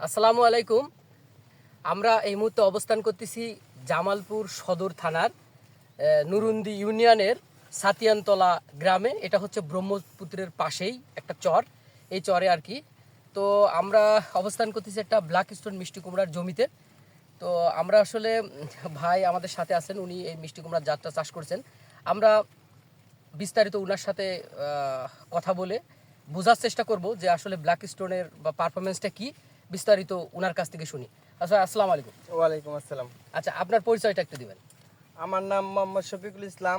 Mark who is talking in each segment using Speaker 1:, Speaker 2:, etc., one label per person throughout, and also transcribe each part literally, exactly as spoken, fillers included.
Speaker 1: আসসালামু আলাইকুম। আমরা এই মুহূর্তে অবস্থান করতেছি জামালপুর সদর থানার নুরুন্দি ইউনিয়নের সাতিয়ানতলা গ্রামে। এটা হচ্ছে ব্রহ্মপুত্রের পাশেই একটা চর, এই চরে আর কি। তো আমরা অবস্থান করতেছি একটা ব্ল্যাক স্টোন মিষ্টি কুমড়ার জমিতে। তো আমরা আসলে ভাই আমাদের সাথে আছেন, উনি এই মিষ্টি কুমড়ার জাতটা চাষ করছেন। আমরা বিস্তারিত ওনার সাথে কথা বলে বোঝার চেষ্টা করব যে আসলে ব্ল্যাক স্টোনের বা পারফরমেন্সটা কি, বিস্তারিত ওনার কাছ থেকে শুনি। আচ্ছা, আসসালামু আলাইকুম।
Speaker 2: ওয়ালাইকুম আসসালাম।
Speaker 1: আচ্ছা, আপনার পরিচয়টা একটু দিবেন।
Speaker 2: আমার নাম মোহাম্মদ শফিকুল ইসলাম,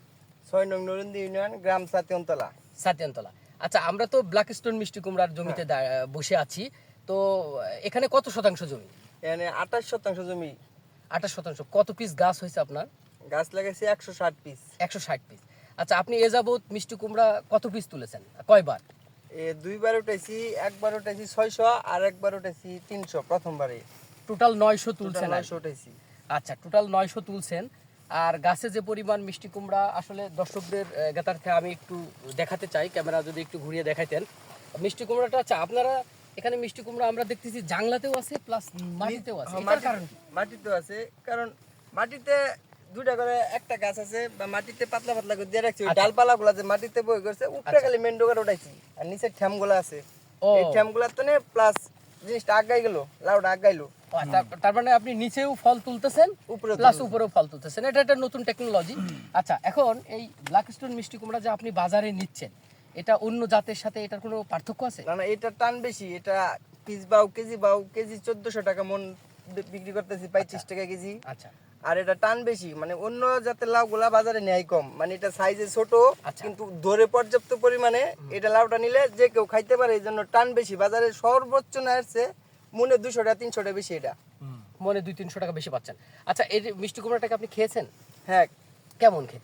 Speaker 2: ছয় নং নুরুন্দি ইউনিয়ন, গ্রাম সাতিয়ানতলা।
Speaker 1: সাতিয়ানতলা। আচ্ছা, আমরা তো ব্ল্যাক স্টোন মিষ্টি কুমড়ার জমিতে বসে আছি। তো এখানে কত শতাংশ জমি?
Speaker 2: এখানে আঠাশ শতাংশ জমি।
Speaker 1: আঠাশ শতাংশ। কত পিস গাছ হয়েছে আপনার?
Speaker 2: গাছ লাগাইছি একশো ষাট পিস।
Speaker 1: একশো ষাট পিস। আচ্ছা, আপনি এ যাবৎ মিষ্টি কুমড়া কত পিস তুলেছেন, কয়বার?
Speaker 2: এ দুইবার উঠাইছি, একবার উঠাইছি ছয়শো আর একবার উঠাইছি তিনশো প্রথমবারে।
Speaker 1: টোটাল নয়শো তুলছেন?
Speaker 2: নয়শো উঠাইছি।
Speaker 1: আচ্ছা, টোটাল নয়শো তুলছেন। আর গাছে যে পরিমাণ মিষ্টি কুমড়া, আসলে দর্শকদের জ্ঞাতার্থে আমি একটু দেখাতে চাই, ক্যামেরা যদি একটু ঘুরিয়ে দেখাইতেন মিষ্টি কুমড়াটা। আচ্ছা, আপনারা এখানে মিষ্টি কুমড়া আমরা দেখতেছি জাংলাতেও আছে প্লাস মাটিতেও আছে, এটার কারণ কি?
Speaker 2: মাটিতেও আছে, কারণ মাটিতে দুইটা করে একটা গাছ আছে, বা মাটিতে পাতলা পাতলা করে দিয়ে রাখছি। ডালপালা গুলা যে মাটিতে বই করছে, উপরে খালি মেন ডোগার উঠাইছি, আর নিচে ঠ্যাম গুলা আছে। এই ঠ্যাম গুলা তো প্লাস জিনিসটা আগাই গেল, লাউটা আগাইলো।
Speaker 1: তার মানে আপনি নিচেও ফল তুলতেছেন প্লাস উপরেও ফল তুলতেছেন, এটা একটা নতুন টেকনোলজি। আচ্ছা, এখন এই ব্ল্যাক স্টোন মিষ্টি কুমড়া যে আপনি বাজারে নিচ্ছেন, এটা অন্য জাতের সাথে এটার কোনো পার্থক্য আছে?
Speaker 2: না না, এটা টান বেশি। এটা পিস বাউ কেজি বাউ কেজি চোদ্দশো টাকা মন বিক্রি করতেছি, পঁয়ত্রিশ টাকা কেজি।
Speaker 1: আচ্ছা।
Speaker 2: আর এটা টান বেশি, মানে অন্য জাতের লাউ গুলা বাজারে নেয় কম, মানে এটা সাইজে ছোট কিন্তু ধরে পর্যাপ্ত পরিমাণে। এটা লাউটা নিলে যে কেউ খাইতে পারে, এই জন্য টান বেশি। বাজারে সর্বোচ্চ না আসছে মনে দুশো টাকা তিনশো টাকা বেশি, এটা
Speaker 1: মনে দুই তিনশো টাকা বেশি পাচ্ছেন। আচ্ছা, এই মিষ্টি কুমড়াটাকে আপনি খেয়েছেন?
Speaker 2: হ্যাঁ।
Speaker 1: কেমন খেতে?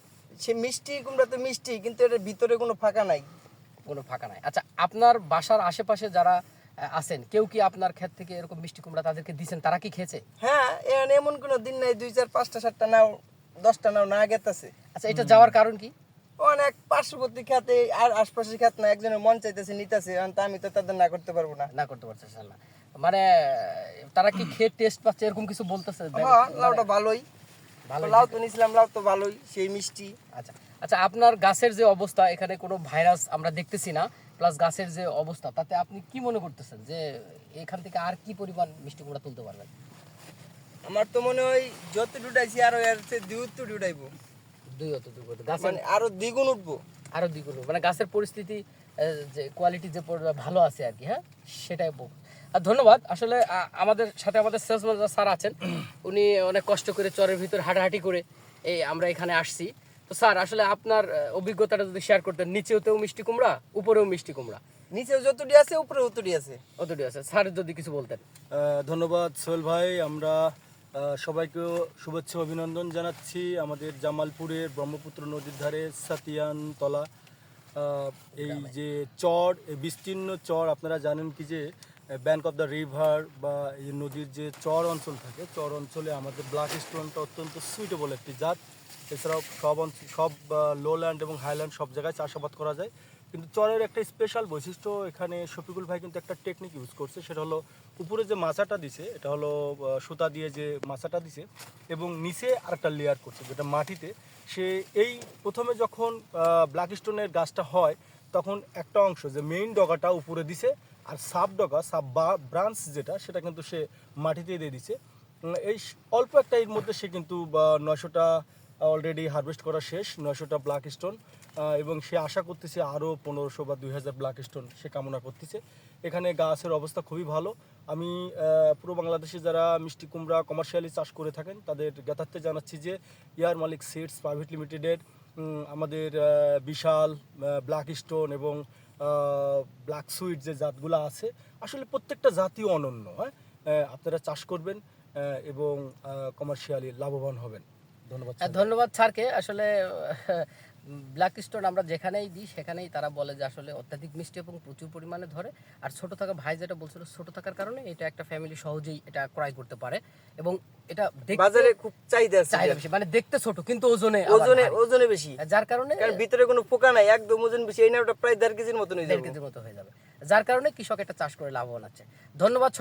Speaker 2: সে মিষ্টি কুমড়া তো মিষ্টি, কিন্তু এটার ভিতরে কোনো ফাঁকা নাই।
Speaker 1: কোনো ফাঁকা নাই। আচ্ছা, আপনার বাসার আশেপাশে যারা আছেন, কেউ কি আপনার ক্ষেত থেকে এরকম মিষ্টি কুমড়া তাদেরকে দিয়েছেন, তারা কি খেয়েছে?
Speaker 2: হ্যাঁ, এখানে এমন কোনো দিন নাই দুই চার পাঁচটা সাতটা নাও দশটা নাও না গেতেছে।
Speaker 1: আচ্ছা, এটা যাওয়ার কারণ কি?
Speaker 2: অনেক পার্শ্ববর্তী খাতে আর আশপাশের খাত না, একজনের মন চাইতেছে নিতেছে, আমি তো তাদের না করতে পারবো না।
Speaker 1: না করতে পারতেছেন না, মানে তারা কি খেয়ে টেস্ট পাচ্ছে এরকম কিছু বলতেছে?
Speaker 2: হ্যাঁ, লাউটা ভালোই, ভালো লাউ তো নিছিলাম, লাউ তো ভালোই, সেই মিষ্টি।
Speaker 1: আচ্ছা আচ্ছা, আপনার গাছের যে অবস্থা, এখানে কোনো ভাইরাস আমরা দেখতেছি না, প্লাস গাছের যে অবস্থা, তাতে আপনি কি মনে করতেছেন যে এখান থেকে আর কি পরিমাণ মিষ্টি কুমড়া তুলতে পারবেন?
Speaker 2: আমার তো মনে হয় যত উঠাইছি আরো এর চেয়ে দুই উত্তর উঠাইবো।
Speaker 1: দুই অত দুই অত গাছ
Speaker 2: মানে আরো দ্বিগুণ উঠবো।
Speaker 1: আরো দ্বিগুণ, মানে গাছের পরিস্থিতি যে কোয়ালিটি যে ভালো আছে আর কি। হ্যাঁ, সেটাই। আর ধন্যবাদ। আসলে আমাদের সাথে আমাদের সেলস ম্যানেজার স্যার আছেন, উনি অনেক কষ্ট করে চরের ভিতর হাঁটাহাঁটি করে এই আমরা এখানে আসছি। তো স্যার, আসলে আপনার অভিজ্ঞতাটা যদি শেয়ার করতেন। নিচেও মিষ্টি কুমড়া, উপরেও মিষ্টি কুমড়া।
Speaker 2: নিচেও যতটি আছে উপরে অতটি আছে।
Speaker 1: অতটি আছে। স্যার যদি কিছু বলতেন।
Speaker 3: ধন্যবাদ সোহেল ভাই। আমরা সবাইকে শুভেচ্ছা অভিনন্দন জানাচ্ছি আমাদের জামালপুরের ব্রহ্মপুত্র নদীর ধারে সাতিয়ানতলা এই যে চর, এই বিস্তীর্ণ চর। আপনারা জানেন কি যে ব্যাঙ্ক অফ দ্য রিভার বা এই নদীর যে চর অঞ্চল থাকে, চর অঞ্চলে আমাদের ব্ল্যাক স্টোনটা অত্যন্ত সুইটেবল একটি জাত। এছাড়াও সব অঞ্চল, সব লোল্যান্ড এবং হাইল্যান্ড সব জায়গায় চাষাবাদ করা যায়। কিন্তু চরের একটা স্পেশাল বৈশিষ্ট্য, এখানে শফিকুল ভাই কিন্তু একটা টেকনিক ইউজ করছে, সেটা হলো উপরে যে মাচাটা দিছে, এটা হলো সুতা দিয়ে যে মাচাটা দিছে, এবং নিচে আরেকটা লেয়ার করছে যেটা মাটিতে। সে এই প্রথমে যখন ব্ল্যাক স্টোনের গাছটা হয়, তখন একটা অংশ যে মেইন ডগাটা উপরে দিছে, আর সাব ডগা সাব বা ব্রাঞ্চ যেটা, সেটা কিন্তু সে মাটিতে দিয়ে দিছে। এই অল্প একটা এর মধ্যে সে কিন্তু নয়শোটা অলরেডি হারভেস্ট করা শেষ, নয়শোটা ব্ল্যাক স্টোন, এবং সে আশা করতেছে আরও পনেরোশো বা দুই হাজার ব্ল্যাক স্টোন সে কামনা করতেছে। এখানে গাছের অবস্থা খুবই ভালো। আমি পুরো বাংলাদেশে যারা মিষ্টি কুমড়া কমার্শিয়ালি চাষ করে থাকেন তাদের জ্ঞাতার্থে জানাচ্ছি যে ইয়ার মালিক সিডস প্রাইভেট লিমিটেডের আমাদের বিশাল ব্ল্যাক স্টোন এবং ব্ল্যাক সুইট যে জাতগুলো আছে, আসলে প্রত্যেকটা জাতীয় অনন্য। হ্যাঁ, আপনারা চাষ করবেন এবং কমার্শিয়ালি লাভবান হবেন। ধন্যবাদ।
Speaker 1: ধন্যবাদ স্যারকে। আসলে ব্ল্যাক স্টোন আমরা যেখানেই দিই সেখানেই তারা বলে যে আসলে অত্যাধিক মিষ্টি এবং প্রচুর পরিমাণে ধরে। আর ছোট থাকা ভাই যেটা বলছিল, ছোট থাকার কারণে এটা একটা ফ্যামিলি সহজেই এটা ক্রয় করতে পারে, এবং এটা
Speaker 2: বাজারে খুব চাহিদা আছে,
Speaker 1: চাহিদা বেশি, মানে দেখতে ছোট কিন্তু ওজনে
Speaker 2: ওজনে ওজনে বেশি,
Speaker 1: যার কারণে
Speaker 2: ভিতরে কোনো পোকা নাই, একদম ওজন বেশি। এই না ওটা প্রায় দেড় কেজির মতো হয়ে যাবে,
Speaker 1: দেড় কেজির মতো হয়ে যাবে, যার কারণে কৃষক এটা চাষ করে লাভবান আছে। ধন্যবাদ।